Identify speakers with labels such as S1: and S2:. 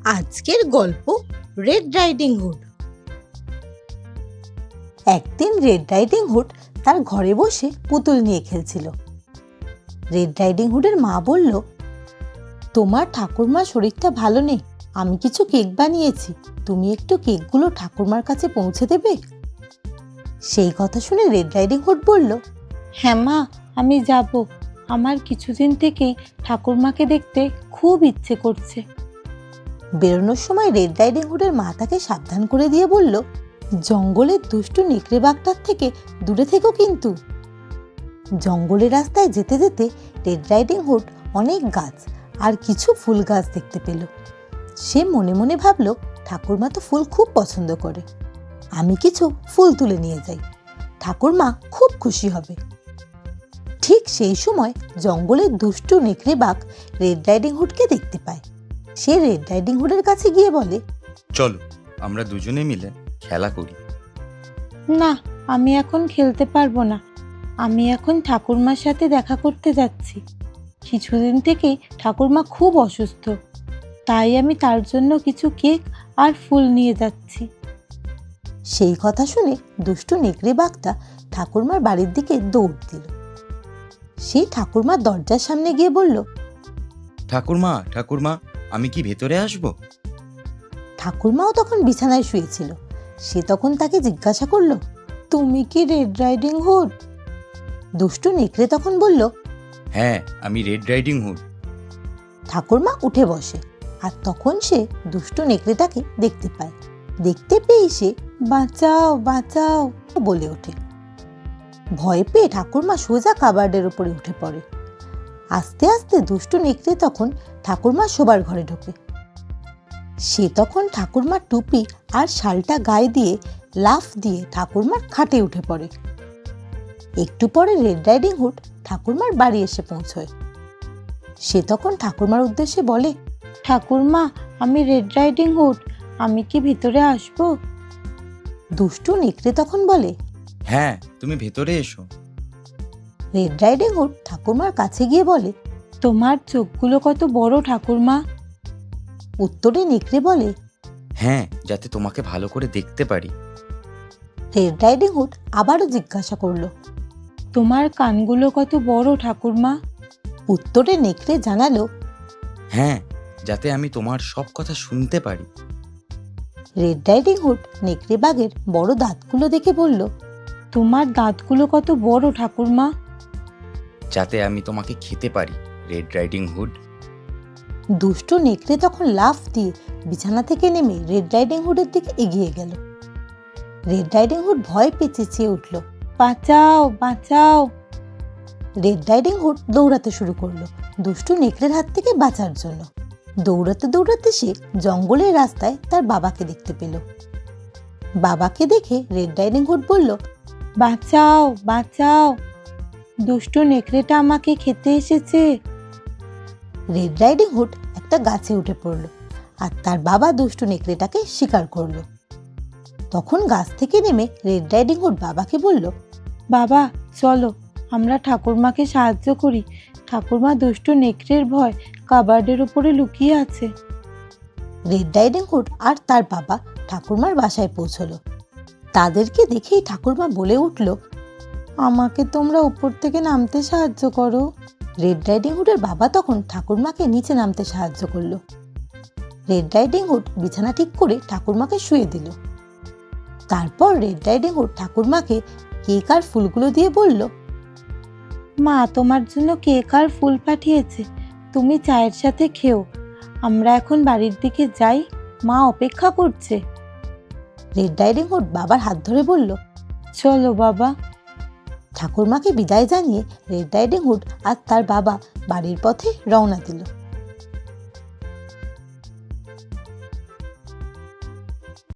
S1: আজকের গল্প red riding hood. একদিন রেড রাইডিং হুড তার ঘরে বসে পুতুল নিয়ে খেলছিল। রেড রাইডিং হুডের মা বলল, তোমার ঠাকুরমার শরীরটা ভালো নেই, আমি কিছু কেক বানিয়েছি, তুমি একটু কেকগুলো ঠাকুরমার কাছে পৌঁছে দেবে? সেই কথা শুনে রেড রাইডিং হুড বলল,
S2: হ্যাঁ মা, আমি যাব। আমার কিছুদিন থেকেই ঠাকুরমাকে দেখতে খুব ইচ্ছে করছে।
S1: বেরোনোর সময় রেড রাইডিং হুডের মা তাকে সাবধান করে দিয়ে বলল, জঙ্গলের দুষ্টু নেকড়ে বাঘটার থেকে দূরে থেকো কিন্তু। জঙ্গলের রাস্তায় যেতে যেতে রেড রাইডিং হুড অনেক গাছ আর কিছু ফুল গাছ দেখতে পেল। সে মনে মনে ভাবল, ঠাকুরমা তো ফুল খুব পছন্দ করে, আমি কিছু ফুল তুলে নিয়ে যাই, ঠাকুরমা খুব খুশি হবে। ঠিক সেই সময় জঙ্গলের দুষ্টু নেকড়ে বাঘ রেড রাইডিং হুডকে দেখতে পায়। সে রেড রাইডিং হুডের কাছে গিয়ে বলে,
S3: চলো আমরা দুজনে মিলে খেলা করি।
S2: না, আমি এখন খেলতে পারবো না। আমি এখন ঠাকুরমার সাথে দেখা করতে যাচ্ছি। কিছুদিন থেকেই ঠাকুরমা খুব অসুস্থ, তাই আমি তার জন্য কিছু কেক আর ফুল নিয়ে যাচ্ছি।
S1: সেই কথা শুনে দুষ্টু নেকড়ে বাঘটা ঠাকুরমার বাড়ির দিকে দৌড় দিল। সে ঠাকুরমার দরজার সামনে গিয়ে বলল,
S3: ঠাকুরমা ঠাকুরমা, আমি কি ভেতরে আসব?
S1: ঠাকুরমাও তখন বিছানায় শুয়েছিল। সে তখন তাকে জিজ্ঞাসা করল, তুমি কি রেড রাইডিং হুড? দুষ্টু নেকড়ে তখন বলল,
S3: হ্যাঁ, আমি রেড রাইডিং হুড।
S1: ঠাকুরমা উঠে বসে, আর তখন সে দুষ্টু নেকড়েটাকে দেখতে পায়। দেখতে পেয়ে সে বাঁচাও বাঁচাও বলে ওঠে। ভয় পেয়ে ঠাকুরমা সোজা কাবার্ডের উপরে উঠে পড়ে। আস্তে আস্তে দুষ্টু নেকড়ে তখন ঠাকুরমার শোবার ঘরে ঢোকে। সে তখন ঠাকুরমার টুপি আর শালটা গায়ে দিয়ে লাফ দিয়ে ঠাকুরমার খাটে উঠে পড়ে। একটু পরে রেড রাইডিং হুড ঠাকুরমার বাড়ি এসে পৌঁছয়। সে তখন ঠাকুরমার উদ্দেশ্যে বলে,
S2: ঠাকুরমা, আমি রেড রাইডিং হুড, আমি কি ভিতরে আসবো?
S1: দুষ্টু নেকড়ে তখন বলে,
S3: হ্যাঁ, তুমি ভেতরে এসো।
S1: রেড রাইডিং হুড ঠাকুরমার কাছে গিয়ে বলে,
S2: তোমার চোখগুলো কত বড় ঠাকুরমা।
S1: উত্তরে নেকড়ে বলে,
S3: হ্যাঁ, যাতে তোমাকে ভালো করে দেখতে পারি।
S1: রেড রাইডিং হুড আবারও জিজ্ঞাসা করলো।
S2: তোমার কানগুলো কত বড় ঠাকুরমা।
S1: উত্তরে নেকড়ে জানালো,
S3: হ্যাঁ, যাতে আমি তোমার সব কথা শুনতে পারি।
S1: রেড রাইডিং হুড নেকড়ে বাঘের বড় দাঁতগুলো দেখে বলল,
S2: তোমার দাঁতগুলো কত বড় ঠাকুরমা।
S3: যাতে আমি তোমাকে খেতে পারি, রেড রাইডিং হুড।
S1: দুষ্টু নেকড়ে তখন লাফ দিয়ে বিছানা থেকে নেমে রেড রাইডিং হুডের দিকে এগিয়ে গেল। রেড রাইডিং হুড ভয় পেয়ে চেঁচিয়ে উঠল,
S2: বাঁচাও বাঁচাও।
S1: রেড রাইডিং হুড দৌড়াতে শুরু করলো দুষ্টু নেকড়ের হাত থেকে বাঁচার জন্য। দৌড়াতে দৌড়াতে সে জঙ্গলের রাস্তায় তার বাবাকে দেখতে পেল। বাবাকে দেখে রেড রাইডিং হুড বলল,
S2: বাঁচাও বাঁচাও, দুষ্টু নেকড়েটা আমাকে খেতে এসেছে।
S1: রেড রাইডিং হুড একটা গাছে উঠে পড়ল, আর তার বাবা দুষ্টু নেকড়েটাকে শিকার করলো। তখন গাছ থেকে নেমে রেড রাইডিং হুড বাবাকে বলল,
S2: বাবা চলো, আমরা ঠাকুরমাকে সাহায্য করি। ঠাকুরমা দুষ্টু নেকড়ের ভয় কাবার্ডের উপরে লুকিয়ে আছে।
S1: রেড রাইডিং হুড আর তার বাবা ঠাকুরমার বাসায় পৌঁছলো। তাদেরকে দেখেই ঠাকুরমা বলে উঠল,
S2: আমাকে তোমরা উপর থেকে নামতে সাহায্য করো।
S1: রেড রাইডিং হুডের বাবা তখন ঠাকুরমাকে নিচে নামতে সাহায্য করলো। রেড রাইডিং হুড বিছানা ঠিক করে ঠাকুরমাকে শুয়ে দিল। তারপর রেড রাইডিং হুড ঠাকুরমাকে কেক আর ফুলগুলো দিয়ে বলল,
S2: মা তোমার জন্য কেক আর ফুল পাঠিয়েছে, তুমি চায়ের সাথে খেও। আমরা এখন বাড়ির দিকে যাই, মা অপেক্ষা করছে।
S1: রেড রাইডিং হুড বাবার হাত ধরে বলল,
S2: চলো বাবা।
S1: ঠাকুরমাকে বিদায় জানিয়ে রেড রাইডিং হুড আর তার বাবা বাড়ির পথে রওনা দিল।